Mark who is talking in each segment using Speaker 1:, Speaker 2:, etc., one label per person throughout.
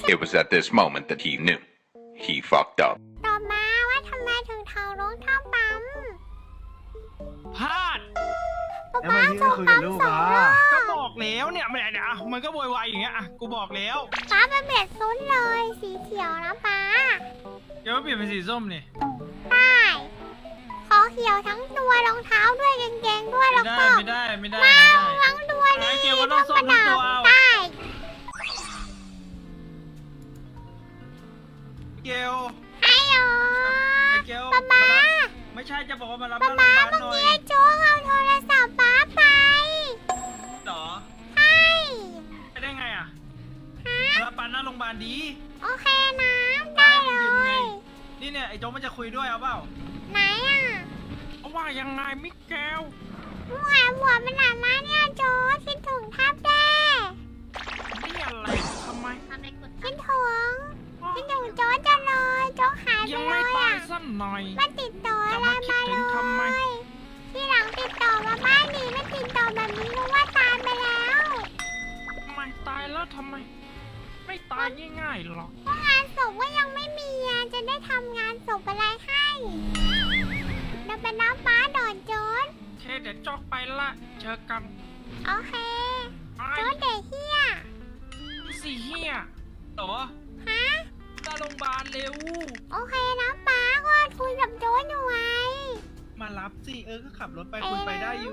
Speaker 1: It was at this moment that he knew. He fucked up.
Speaker 2: ตอบมาว่าทำไมถึงถอดรองเท้าปั๊ม
Speaker 3: พลาด
Speaker 2: ป๊า
Speaker 4: แล้ว
Speaker 2: ป๊า
Speaker 4: เมื่อกี้
Speaker 2: ส่
Speaker 4: ก็
Speaker 2: ง
Speaker 4: คุย
Speaker 2: ปั๊มสอบ งรอบ
Speaker 4: กับลูก
Speaker 3: ก็บอกแล้วเนี่ยไม่ได้เนี่ยอ่ะมันก็โวยวายอย่างเงี้ยอ่ะกูบอกแล้ว
Speaker 2: ป๊าเป็นเบ็ดซุนเลยสีเขียวนะป๊า
Speaker 3: เดี๋ยวเปลี่ยนเป็นสีส้มนี่
Speaker 2: ได้ขอเขียวทั้งตัวรองเท้าด้วยกางเกงด้วยแล้วก็
Speaker 3: ไม่ได้
Speaker 2: ทั้งตัวนี่
Speaker 3: ไอ้เกลก็ต้องส้มทั้งตัวเอา
Speaker 2: ได้
Speaker 3: เกล
Speaker 2: ไอ้โอ
Speaker 3: ไอ้เกล
Speaker 2: ป๊าป๊า
Speaker 3: ไม่ใช่จะบอกว่ามารับ
Speaker 2: ป๊า
Speaker 3: หน้าโรงพ
Speaker 2: ป๊าย
Speaker 3: าบาล
Speaker 2: เมื่อ
Speaker 3: หน่อย
Speaker 2: กี้โจ๊กเอาโทรศัพท์ป๊าไป
Speaker 3: หรอ
Speaker 2: ใช่
Speaker 3: ไปได้ไงอ่ะ
Speaker 2: ฮะ
Speaker 3: มารับปานหน้าโรงพยาบาลดี
Speaker 2: โอเคนะได้เล
Speaker 3: ยืมไง
Speaker 2: ย
Speaker 3: นี่เนี่ยไอ้โจ๊กมันจะคุยด้วยเอาเปล่า
Speaker 2: ไหนอ่ะ
Speaker 3: เอาว่ายังไงมิเกล
Speaker 2: มึงหาหัวมันหนามาเนี่ยโจ๊กคิดถึงแทบแด้
Speaker 3: นี่อะไรทำไม
Speaker 2: คิดถึงคิดถึงโจ๊กจังเลยโจ๊กหายไป
Speaker 3: ยัง
Speaker 2: เล
Speaker 3: ไม่
Speaker 2: ย
Speaker 3: ตาย
Speaker 2: อ่ะ
Speaker 3: สักหน่อย
Speaker 2: ไม่ติดต่ออะไร
Speaker 3: จะ
Speaker 2: มา
Speaker 3: มาคิดถึงทำไม
Speaker 2: เลยที่หลังติดต่อมาบ้านนี้ไม่ติดต่อแบบนี้รู้ว่าตายไปแล้ว
Speaker 3: ทำไมตายแล้วทำไม ไม่ตายง่ายๆหรอก
Speaker 2: เพราะงานศพก็ยังไม่มีอ่ะจะได้ทำงานศพอะไรให้เราเป็นน้ำฟ้าดอนโจ๊ก
Speaker 3: เทเดี๋ยวจอกไปละเจอกัน
Speaker 2: โอเค
Speaker 3: ไป
Speaker 2: โจ๊กเด็กเฮีย
Speaker 3: สิเฮียเหรอ
Speaker 2: ฮะ
Speaker 3: ตาโรงพยาบาลเร็ว
Speaker 2: โอเคนะป้าก็คุยกับโจ๊กอยู่ไง
Speaker 3: มารับสิก็ขับรถไปคุยไปได้อยู่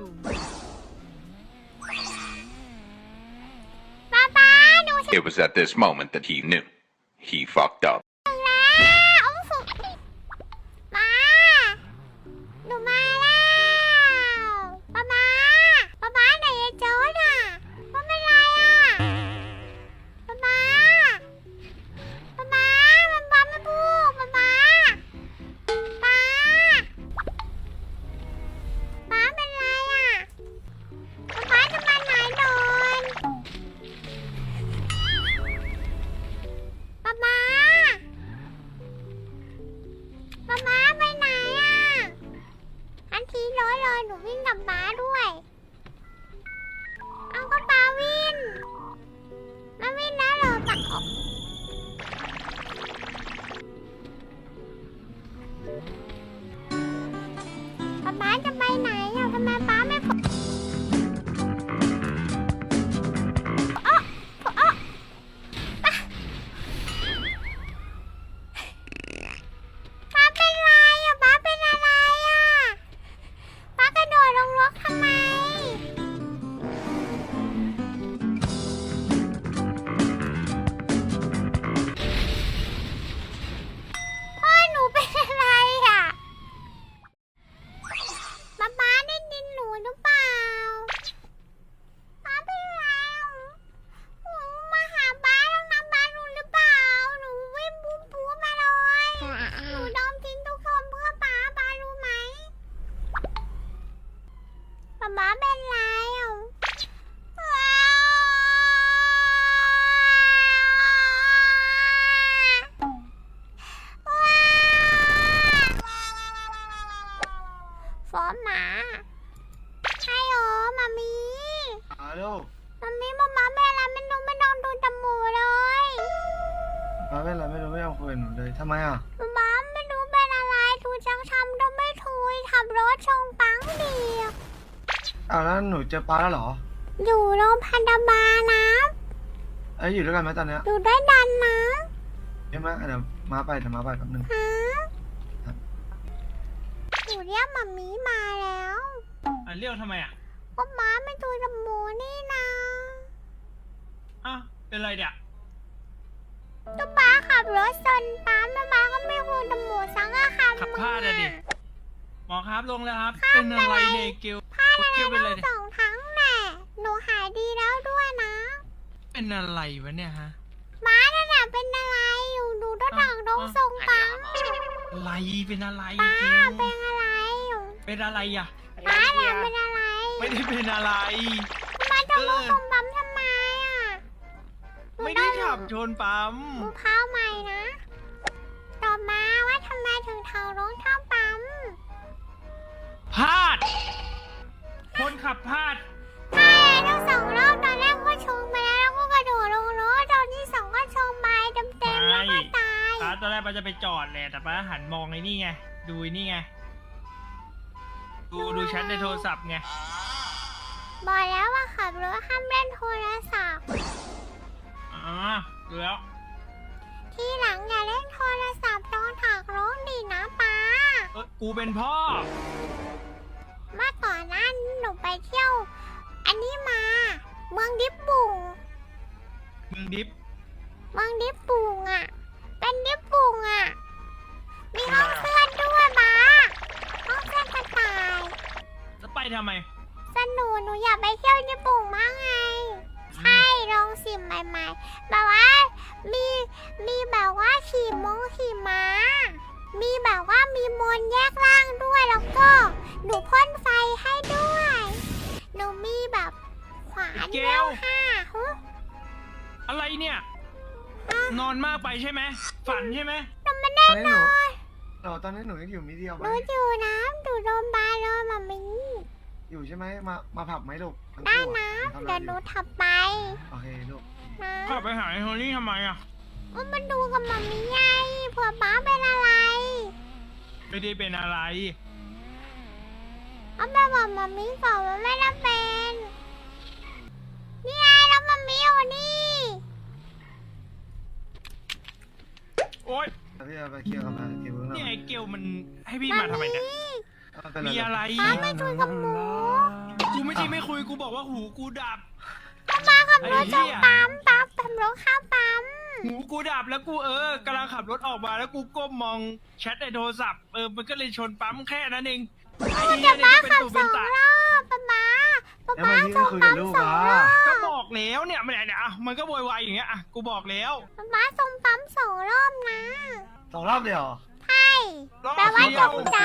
Speaker 2: ป้าดูสิ
Speaker 1: It was at this moment that he knew. He fucked up.
Speaker 2: แล้วเอาสุดมาหนูมาแล้วป้าไหนไอ้โจ๊กอ่ะว่าเป็นไรอ่ะป้ามันไม่พูดป้าเป็นไรอ่ะป้าจะมาไหนนอนป้าไปไหนอ่ะอันทีร้อยเลยหนูวิ่งกับป้าด้วย เอาก็ป้าวินมาวินนะเหรอป้าป้าจะไปไหนอ่ะทำไมป้าไม่พูดอ๊ะอ๊ะป้าเป็นไรอ่ะป้าเป็นอะไรอ่ะป้ากระโดดลงรถทำไม พ่อหนูเป็นอะไรอ่ะป๊าได้ยินหนูหรือเปล่าป๊าเป็นอะไรหนูมาหาป๊าต้องนำป๊าหนูหรือเปล่า หนูวิ่งบู๊มาเลยหนูยอมทิ้งทุกคนเพื่อป๊ารู้ไหมป๊าเป็นไรอ่ะฟอมหมาใช่โอมามี
Speaker 4: ลูก
Speaker 2: มามีมาเป็นอะไรไม่รู้ไม่นอนดูจมูกเลย
Speaker 4: มาเป็นไรไม่รู้ไม่ยอมคุยกับหนูเลยทำไมอ่ะ
Speaker 2: มาไม่รู้เป็นอะไรทูจังทำต้องไม่ทุยขับรถชงปังดี
Speaker 4: อ้าวแล้วหนูเจอปลาแล้วเหรอ
Speaker 2: อยู่โรงพยาบาลนะ
Speaker 4: เอ้ยอยู่ด้วยกันไหมตอนเนี้ย
Speaker 2: อยู่ด้วยดันนะ
Speaker 4: ใช่ไหมเดี๋ยวมาไปแป๊บนึง
Speaker 2: ฮะหนูเรียกมามีมาแล้ว
Speaker 3: เรียกทำไมอ่ะ
Speaker 2: ก็ม้าไม่ดูจมูกนี่นะ
Speaker 3: อ้าวเป็นไรเนี่ย
Speaker 2: ก็ป้าขับรถชนป้าก็ไม่ดูจมูกสังอาคาร
Speaker 3: ขับพลาดอะดิ หมอครับลงแล้วครับ เป็นอะไรเนี่ยเกล
Speaker 2: พลาดอะไร
Speaker 3: เกลเป็นอะไร
Speaker 2: ทั้ง
Speaker 3: เนี่ย
Speaker 2: สองครั้งแน่หนูหายดีแล้วด้วยนะ
Speaker 3: เป็นอะไรวะเนี่ยฮะ
Speaker 2: ม้านั่นน่ะเป็นอะไรอยู่ดูด้านหลังตรงทรงปัง
Speaker 3: อะไรเป็นอะไร
Speaker 2: ป้า
Speaker 3: เกล
Speaker 2: เป็นอะไรอยู่
Speaker 3: เป็นอะไรอ่ะ
Speaker 2: ป้าเนี่ยเป็นอะไร
Speaker 3: ไม่ได้เป็นอะไร
Speaker 2: มาจะมุกตรงปั๊มทำไมอ่ะ
Speaker 3: ไม่ได้ขับชนปั๊ม
Speaker 2: มูเท้าใหม่นะตอบมาว่าทำไมถึงเท้ารองเท้าปั๊ม
Speaker 3: พลาด คนขับพลาด
Speaker 2: ใช่ทั้งสองรอบตอนแรกก็ชงไปแล้วก็กระโดดลงรถตอนที่สองก็ชงไปเต็ม
Speaker 3: ตอนแรกป้าจะไปจอดแหละแต่ป้าหันมองไอ้นี่ไงดูไอ้นี่ไงดูแชทในโทรศัพท์ไง
Speaker 2: บอกแล้วว่าขับรถห้ามเล่นโทรศัพท์
Speaker 3: อ๋อดูแล้ว
Speaker 2: ทีหลังอย่าเล่นโทรศัพท์ตอนถักร้องดีนะป้า
Speaker 3: กูเป็นพ่อ
Speaker 2: เมื่อก่อนนั้นหนูไปเที่ยว อันนี้มา เมืองดิบบุง
Speaker 3: มึงดิฟ
Speaker 2: เมืองดิบบุงอ่ะ เป็นดิบบุงอ่ะ มีห้องเพื่อนด้วยป้าห้องเพื่อนกระต่าย
Speaker 3: จะไปทำไม
Speaker 2: สนุกหนูอยากไปเที่ยวญี่ปุ่นมากไง ใช่ลองสิ่งใหม่ๆแบบว่ามีแบบว่าขี่ม้า มีแบบว่ามีมนต์แยกร่างด้วยแล้วก็หนูพ่นไฟให้ด้วย หนูมีแบบขวาน
Speaker 3: เก
Speaker 2: เว
Speaker 3: ล
Speaker 2: ล5ฮึ
Speaker 3: อะไรเนี่ย นอนมากไปใช่ไหมฝันใช่ไหม
Speaker 2: หนูไม่ได้นอน
Speaker 4: ตอนนี้หนูยังอยู่มิเดียว
Speaker 2: ห
Speaker 4: ไหม
Speaker 2: นูอยู่นะหนูโดนบาโดนมามิ
Speaker 4: อยู่ใช่ไหมมาผับไหมลูกทั้ง
Speaker 2: ได้
Speaker 4: คู่
Speaker 2: นะ
Speaker 4: อะ
Speaker 2: เดี๋ยวหนูถับไป
Speaker 4: โอเคลูก
Speaker 2: นะ
Speaker 3: ขับไปหาไอ้โทนี่ทำไมอ่ะ
Speaker 2: มันดูกับมามิไงเผื่อป้าเป็นอะไร
Speaker 3: ไม่ได้เป็นอะไร
Speaker 2: เอาไปบอกมามิก่อนว่าไม่ได้เป็น นี่ไงแล้วมามิอยู่นี่
Speaker 3: โอ๊ย
Speaker 4: แล้วพี่เอาไปเคลียร์กับมาเคลียร์เบื้องหลั
Speaker 3: นี่
Speaker 4: ง
Speaker 3: ไอ้เกลมันให้พี่มาทำไมเนี่ย มีอะไร
Speaker 2: ป้าไม่คุยกับหมู
Speaker 3: กูไม่ใช่ไม่คุย กูบอกว่าหูกูดับ
Speaker 2: ก็มาขับรถจ
Speaker 3: ไอ้
Speaker 2: ง
Speaker 3: เหี้ย
Speaker 2: ปั๊มปั๊บขับรถเข้าปั๊ม
Speaker 3: หูกูดับแล้วกูกำลังขับรถออกมาแล้วกูก้มมองแชทในโทรศัพท์มันก็เลยชนปั๊มแค่นั้นเองไอ้เหี้ย
Speaker 2: ป้า
Speaker 3: นี่ก็เป็น
Speaker 2: ขับ
Speaker 3: ตุเป็
Speaker 2: ส
Speaker 3: น
Speaker 2: อง
Speaker 3: ตาร
Speaker 2: อบป้า
Speaker 4: แล้ว
Speaker 2: ป้า
Speaker 4: ทำไมพี่
Speaker 2: ส่
Speaker 4: ไม่
Speaker 2: ง
Speaker 4: คุยกับลูกอ่ะ
Speaker 2: ปั๊ม2 รอบ
Speaker 3: ก็บอกแล้วเนี่ยมันเนี่ยอ่ะมันก็โวยวายอย่างเงี้ยอ่ะกูบอกแล้ว
Speaker 2: ป้าส่งปั๊ม2 รอบนะ
Speaker 4: 2 รอบเดียวเหรอ
Speaker 2: ใช่แปลว่าตกใจ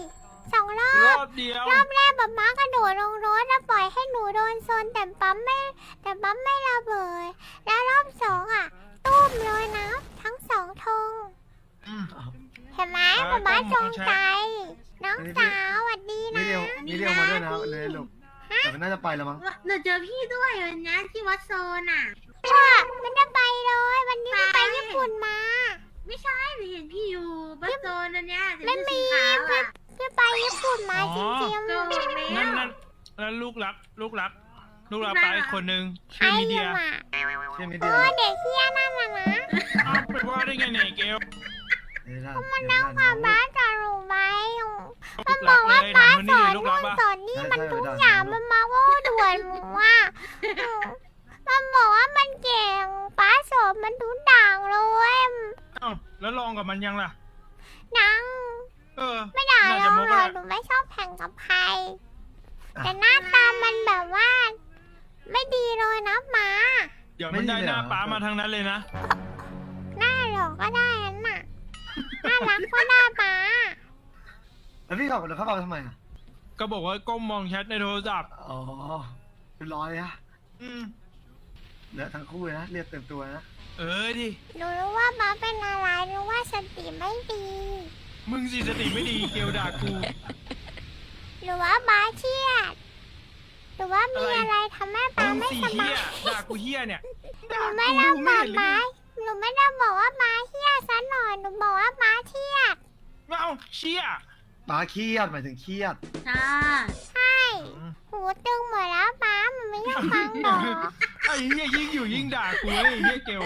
Speaker 2: 2 รอ
Speaker 3: ร
Speaker 2: บ
Speaker 3: อบเดียว
Speaker 2: รอบแรกป้ากระโดดลงรถแล้วปล่อยให้หนูโดนโซนแต่ปั๊มไม่ระเบิด แล้วรอบ2อ่ะตุ้มเลยนะทั้ง2 ธง
Speaker 3: อืม
Speaker 2: เห็นไหมป้าจงใจ น้องสาวสวัสดี
Speaker 4: มิ
Speaker 2: นะ
Speaker 4: เดียวมาด้วยนะเลยลูกแต่มันน่าจะไปแล้วมั้ง
Speaker 5: หนูเจอพี่ด้วยวันนี้ที่วัดโซนอ่ะ
Speaker 2: ว่ามันจะไปเลย วันนี้มันไปญี่ปุ่นมา
Speaker 5: ไม่ใช่หนูเห็นพี่อยู่วัดโซนอันเนี้ย
Speaker 2: ไม่มี
Speaker 5: ขาวอ่ะ
Speaker 2: จะไปญี่ปุ่นมาจริง
Speaker 5: ก็
Speaker 2: ๆ
Speaker 5: แล้ว
Speaker 3: แล้วลูกรักไปอีกคนนึง
Speaker 2: ใคร
Speaker 3: ชื่อมีเดีย
Speaker 2: อะ
Speaker 4: ใช่มิ
Speaker 2: เอ
Speaker 4: เดียว
Speaker 2: อเด็กเฮี้ยนั่นน่ะนะ
Speaker 3: อ้าวไปว่าได้ไงเนี่ยเกล
Speaker 4: มันนั่ง
Speaker 2: พาป้าจะรู้ไหม
Speaker 3: ลู
Speaker 2: มัน
Speaker 3: ก
Speaker 2: บ
Speaker 3: รั
Speaker 2: อก ก
Speaker 3: เล
Speaker 2: ว่าย ป้า
Speaker 3: ถามคน
Speaker 2: ส
Speaker 3: นี้
Speaker 2: อ
Speaker 3: เลย
Speaker 2: น
Speaker 3: ลูก
Speaker 2: นู่
Speaker 3: รัก
Speaker 2: น
Speaker 3: ปะ
Speaker 2: สอนนี่มันทุกอย่างมันมาว่าด่วนหนูว่ามันบอกว่ามันเก่งป้าสอนมันทุกอย่างเลย
Speaker 3: อ้าวแล้วลองกับมันยังล่ะ
Speaker 2: นัง ไม่ด่า
Speaker 3: น่า
Speaker 2: เรา
Speaker 3: จะโม
Speaker 2: หร
Speaker 3: ก็
Speaker 2: อกหนูไม่ชอบแข่งกับใคร แต่หน้าตามันแบบว่า ไม่ดีเลยนะป้า
Speaker 3: เดี๋ยวมันได้หน้าป้ามาทางนั้นเลยนะ
Speaker 2: หน้าหลอกก็ได้นั่นน่ะ น่ารักก็ได้ป้า
Speaker 4: แล้วพี่ขับรถเข้าไปทำไมอ่ะ
Speaker 3: ก็บอกว่าก้มมองแชทในโทรศัพท์
Speaker 4: อ๋อเป็นร้อยอะ
Speaker 3: อืม
Speaker 4: เหลือทั้งคู่เลยนะเรียกเต็มตัวนะ
Speaker 3: ดิ
Speaker 2: หนูรู้ว่าป้าเป็นอะไรรู้ว่าสติไม่ดี
Speaker 3: มึงสิสติไม่ดีเกลด่ากู
Speaker 2: หรือว่าป้าเครียดหรือว่ามีอะไรทำให้ป้า
Speaker 3: มึง
Speaker 2: ไม่
Speaker 3: สี่
Speaker 2: ส
Speaker 3: เฮี
Speaker 2: บาย
Speaker 3: ยด่ากูเฮียเนี่ย
Speaker 2: ห
Speaker 3: ด่า
Speaker 2: นูไม่
Speaker 3: กู
Speaker 2: ได้
Speaker 3: ไม่
Speaker 2: บอก
Speaker 3: เห็น
Speaker 2: ป้า
Speaker 3: เลย
Speaker 2: หนูไม่ได้บอกว่าป้าเครียดซะหน่อย หนูบอกว่าป้าเครียด
Speaker 3: เอาเชี่ย
Speaker 4: ป้าเครียดหมายถึงเครียด
Speaker 5: ใช่
Speaker 2: ใช่ หูตึงหมดแล้วป้ามันไม่ยอมฟังหรอก
Speaker 3: ไอ้เฮียยิ่งอยู่ยิ่งด่ากูไอ้เฮียเกล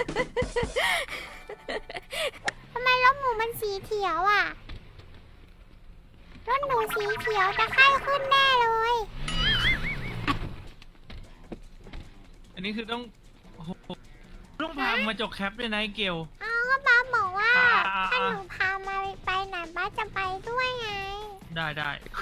Speaker 2: ทำไมรถหมูมันสีเขียวอ่ะ รถหนูสีเขียวจะไข้ขึ้นแน่เลย
Speaker 3: อันนี้คือต้องโอ้โหต้องพามาจกแคปด้วยนะไอ้เกล
Speaker 2: เอาก็ป้าบอกว่า
Speaker 3: อ่า
Speaker 2: ถ้าหนูพามาไปไหนป้าจะไปด้วยไง
Speaker 3: ได้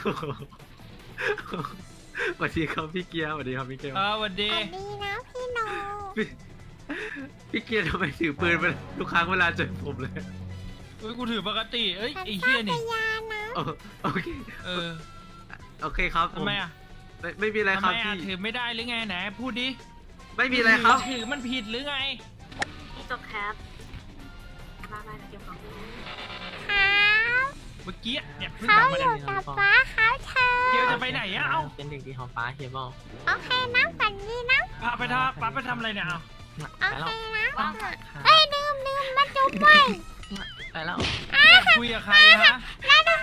Speaker 6: สวัสดีครับพี่เกียร์สวัสดีครับพี่เกียร์
Speaker 3: สวัสดี
Speaker 2: สวัสดีนะพี่โน
Speaker 6: พี่เกียร์ทำไมถือปืนมาทุกครั้งเวลาเจอผมเลย
Speaker 3: เฮ้ยกูถือปกติเอ้ย
Speaker 2: ฉัน
Speaker 3: ไอ้
Speaker 2: ช
Speaker 3: เฮี
Speaker 2: อย บ
Speaker 3: นี่
Speaker 2: พยานนะ
Speaker 6: โอเค โอเคครับผ
Speaker 3: ทำไมอ่ะ
Speaker 6: ไม่มีอะไร
Speaker 3: ทำ
Speaker 6: ครั
Speaker 3: ไม
Speaker 6: บ
Speaker 3: อ่ะ
Speaker 6: พี่
Speaker 3: ถือไม่ได้หรือไงไหนพูดดิ
Speaker 6: ไม่มีอะไรครับ
Speaker 3: ถือมันผิดหรือไง
Speaker 5: พี่จบแคปมาเก็บของพี่
Speaker 2: ครับ
Speaker 3: เมื่อกี้เนี่ยเพิ่ง
Speaker 2: เขา
Speaker 3: กลับมา
Speaker 2: อ
Speaker 3: เนี่ย
Speaker 2: ยู่กับป้าเขาเธอ
Speaker 3: เกลจะไปไหนอ่ะเอ้า
Speaker 6: เป็นเด็กดีของป้าเฮียบอล
Speaker 2: โอเคนะฝันดีนะ
Speaker 3: พาไปทำอะไรเนี่ยเอ้า
Speaker 2: โอเคนะเอ้ยดื่มมาจุ๊บไว้
Speaker 3: คุยกับใครฮะ
Speaker 2: แล้วดู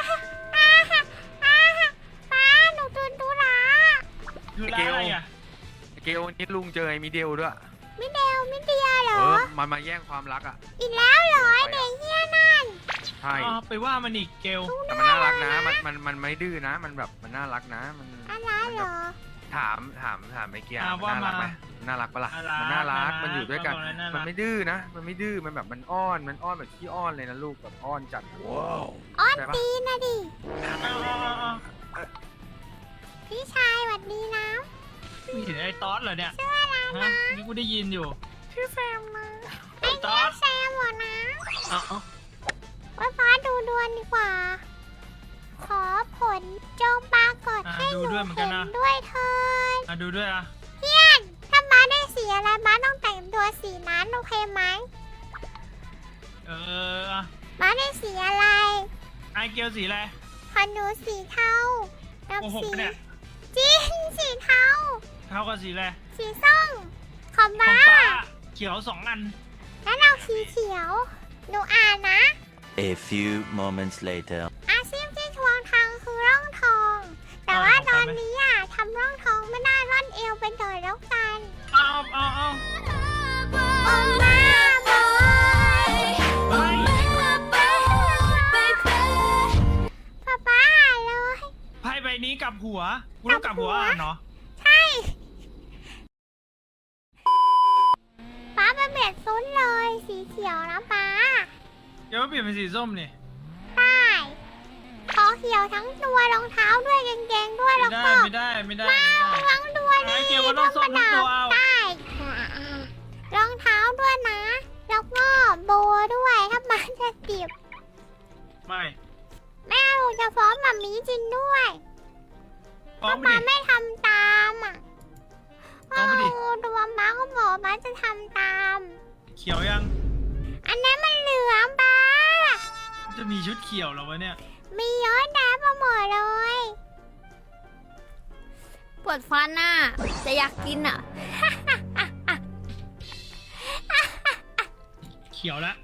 Speaker 2: ป้าหนูดูละ
Speaker 3: คือร้านอะไรอ่ะ
Speaker 7: เกลนี่ลุงเจอไอ้มิเดลด้วย
Speaker 2: มิเดียเหรอ
Speaker 7: มันมาแย่งความรักอ่ะ
Speaker 2: อีกแล้วเหรอไอเด็กเฮี้ยนั่น
Speaker 7: ใช่
Speaker 3: อ๋อไปว่ามันอีกเกล
Speaker 7: แต่มันน่ารักนะ มันไม่ดื้อนะ มันแบบมันน่ารักนะ มัน
Speaker 2: อะไรเหรอ
Speaker 7: ถามไอ้เกียร์มันน่ารักไหมน่ารักปะล่ะ มันน่ารัก มันอยู่ด้วยกัน มันไม่ดื้อนะ มันไม่ดื้อ มันแบบมันอ้อนแบบขี้อ้อนเลยนะลูกแบบอ้อนจัดว้าว
Speaker 2: อ้อนตีนนะดิ
Speaker 3: เอา
Speaker 2: พี่ชายหวัดดีนะ
Speaker 3: ไม่เห็นไอ้ตอสเหรอเนี่ย
Speaker 2: ชื่ออะไร
Speaker 3: ฮะ
Speaker 2: นะ
Speaker 3: นี่กูได้ยินอยู่
Speaker 2: ชื่อแซมนะไอ้
Speaker 3: ตอ
Speaker 2: เนี่ย
Speaker 3: ส
Speaker 2: แซมเหรอนะ
Speaker 3: เอา
Speaker 2: ไว้ฟ้าดูดวงดีกว่า ขอผลจงปรากฏให้หนูเห็นด้วยเถิด
Speaker 3: ดูด้วยอ่ะ
Speaker 2: เพี้ยนถ้าม้าได้สีอะไรม้าต้องแต่งตัวสีนั้นโอเคไหม
Speaker 3: เอออ่ะ
Speaker 2: ม้าได้สีอะไร
Speaker 3: ไอเกลสีอะไร
Speaker 2: ของหนูสีเทากับ
Speaker 3: โกหก
Speaker 2: สี
Speaker 3: ปะเนี่ย
Speaker 2: จริงสีเทา
Speaker 3: เท่ากับสีอะไร
Speaker 2: สีส้มของ
Speaker 3: ขอ
Speaker 2: ม้าง
Speaker 3: ป้าเขียว2 อัน
Speaker 2: แล้วเราสีเขียว หนูอ่านนะ
Speaker 8: A few moments later.
Speaker 2: อาชีพที่ทวงทางคือร่องทอง แต่ว่าตอนนี้อ่ะทำร่องทองไม่ได้ร่อนเอวไปหน่อยแล้วกัน
Speaker 3: เอา
Speaker 2: โอมาบอย
Speaker 3: เฮ้ย
Speaker 2: ป้าเลย
Speaker 3: ไพ่ใบนี้กลับหัวกูต้องกลับหัวอ่านเนาะ
Speaker 2: ใช่ป้าเป็นเบ็ดซุนเลย สีเขียวนะป้า
Speaker 3: เดี๋ยวมาเปลี่ยนเป็นสีส้มนี่
Speaker 2: ได้ขอเขียวทั้งตัวรองเท้าด้วยกางเกงด้วยแล้วก็
Speaker 3: ไม่ได้
Speaker 2: ทั้งตัวนี่
Speaker 3: ไอ้เกลก็ต้องส้มทั้งตัวเอา
Speaker 2: ได้รองเท้าด้วยนะ แล้วก็โบด้วยถ้ามันจะติบ
Speaker 3: ไม่
Speaker 2: แม่หนูจะฟ้องหมามีจริงด้วย
Speaker 3: ฟ้อง
Speaker 2: ถ้า
Speaker 3: ไป
Speaker 2: มา
Speaker 3: ดิ
Speaker 2: ไม่ทำตามอ่ะ
Speaker 3: ฟ้องไปดิ
Speaker 2: ตัวม้าก็บอกม้าจะทำตาม
Speaker 3: เขียวยัง
Speaker 2: อันนั้นมันเหลืองป้า
Speaker 3: จะมีชุดเขียวเหรอวะเนี่ย
Speaker 2: มีเยอะแยะไปหมดเลย
Speaker 5: ปวดฟันน่ะ จะอยากกินอ่ะ
Speaker 3: เขียวละ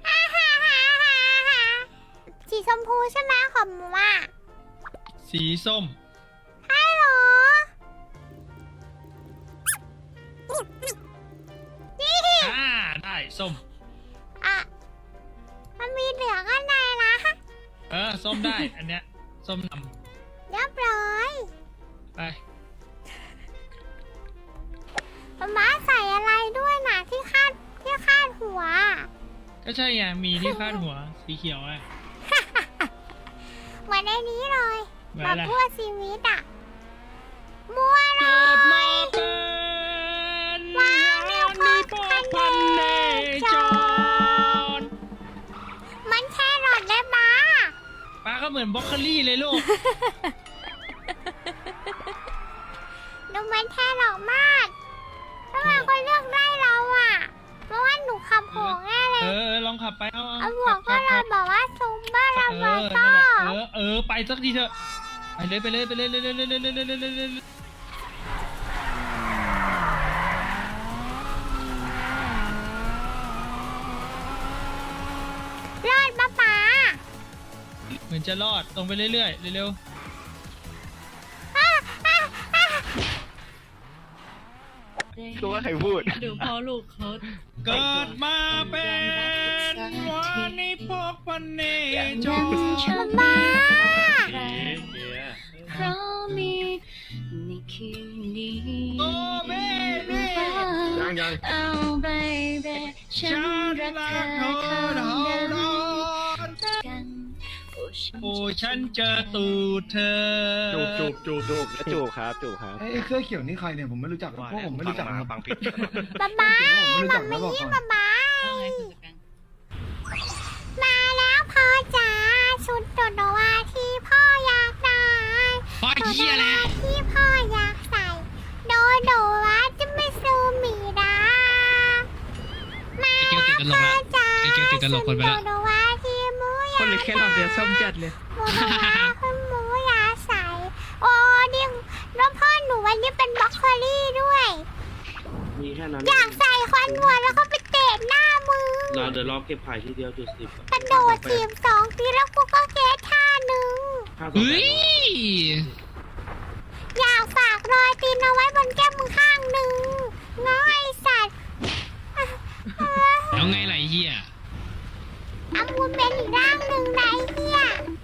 Speaker 2: สีชมพูใช่ไหมของหมูอ่ะ
Speaker 3: สีส้ม
Speaker 2: ใช่เหรอ นี่
Speaker 3: ได้ส้ม
Speaker 2: อ่ะ มันมีเหลืองอันไหนนะ
Speaker 3: ส้มได้ อันเนี้ย ส้มน
Speaker 2: เรียบร้อย
Speaker 3: ำไป
Speaker 2: ม้าใส่อะไรด้วยนะที่คาดหัว
Speaker 3: ก็ใช่ไง มีที่คาดหัว สีเขียวอ่ะ
Speaker 2: เหมือนในนี้เลย
Speaker 3: เหมือน
Speaker 2: แบ
Speaker 3: อะ
Speaker 2: บ
Speaker 3: ไร
Speaker 2: ทั่วชีวิตอ่ะ มัวเล
Speaker 3: เกิดมาย เป็น
Speaker 2: ว้าวมีความ
Speaker 3: พ่อพันเนจร
Speaker 2: มันแค่หลอดได้มา
Speaker 3: ป้าก็เหมือนบล็อกโคลี่เลยลูก
Speaker 2: หนูมันแค่หลอกมากทำไมคนเลือกได้เราอ่ะ เพราะว่าหนูขับโหงแน่เลย
Speaker 3: ลองขับไป เอา
Speaker 2: เอาหัวก็เราบอกว่าซุมบ้าเรา
Speaker 3: เอ
Speaker 2: บอก
Speaker 3: อ
Speaker 2: ก็
Speaker 3: นั่นแหละไปสักทีเถอะ ไปเลย
Speaker 2: รอดป้าป๋า
Speaker 3: เหมือนจะรอด ตรงไปเรื่อยๆ เร็ว
Speaker 7: รู้ว่าใครพูด
Speaker 9: ดูพ่อลูกเขา
Speaker 3: ๆ เกิดมาเป็นวันนี้พบวันนี้จง
Speaker 2: ป้าป๋า
Speaker 9: เพราะมีในคืนนี้
Speaker 3: โอ้เบบี้
Speaker 9: เอาเบบี้ฉั
Speaker 3: ฉั
Speaker 9: น
Speaker 3: น
Speaker 9: รัก
Speaker 3: รัก
Speaker 9: เธ
Speaker 3: เธ
Speaker 9: อ
Speaker 3: อ
Speaker 9: เท่า
Speaker 3: เท่า
Speaker 9: เดิ
Speaker 3: ร้
Speaker 9: ม
Speaker 3: อน
Speaker 9: กัน
Speaker 3: โอ้ฉันเจอตูดเธอ
Speaker 7: จูบครับ
Speaker 4: ไอ้เสื้อเขียวนี่ใครเนี่ยผมไม่รู้จักพวกผมไม่รู้จักนะครับ
Speaker 2: ป้าป๋า
Speaker 4: ผมไม่รู้
Speaker 2: มั
Speaker 4: จั
Speaker 2: ม
Speaker 4: กนะบอก
Speaker 2: มี่
Speaker 4: ก่อน
Speaker 2: ป้าป๋า
Speaker 9: ว่าไงคุณจักร
Speaker 2: มาแล้วพ่อจ๋าชุดโดโดวาที่พ่ออยากได้
Speaker 3: พ่อเหี้ยแล้ว
Speaker 2: ที่พ่ออยากใส่โดโดวาจะไม่ซูมีดามา
Speaker 3: ไอ้เกียวติดตลกละ
Speaker 2: จ๋า
Speaker 3: ไอ้เกียวติดตลกคนไปละ
Speaker 2: โดโดวาที่หมูอยาก
Speaker 6: คนเลยแค่เราเดือดส้มจัดเลย
Speaker 2: โดโดวาคุณหมูอยากใส่โอ้ดิแล้วพ่อหนูวันนี้เป็นบล็อกโคลี่ด้วย
Speaker 6: มีแค่นั้น
Speaker 2: อยากใส่ควันหัวแล้วก็ไปเตะหน้ามึง
Speaker 6: เดี๋ยวรอเก็บไผ่ทีเดียวจุดสิบ
Speaker 2: กระโดดถีบ2 ทีแล้วกูก็เกตท่าหนึ่ง
Speaker 10: เฮ้ย
Speaker 2: อยากฝากรอยตีนเอาไว้บนแก้มมึงข้างหนึ่งง้อไอสัตว์
Speaker 10: แล้วไงล่ะไอ้เฮีย
Speaker 2: เอามูลเป็นอีกร่างหนึ่งนะไอ้เหี้ย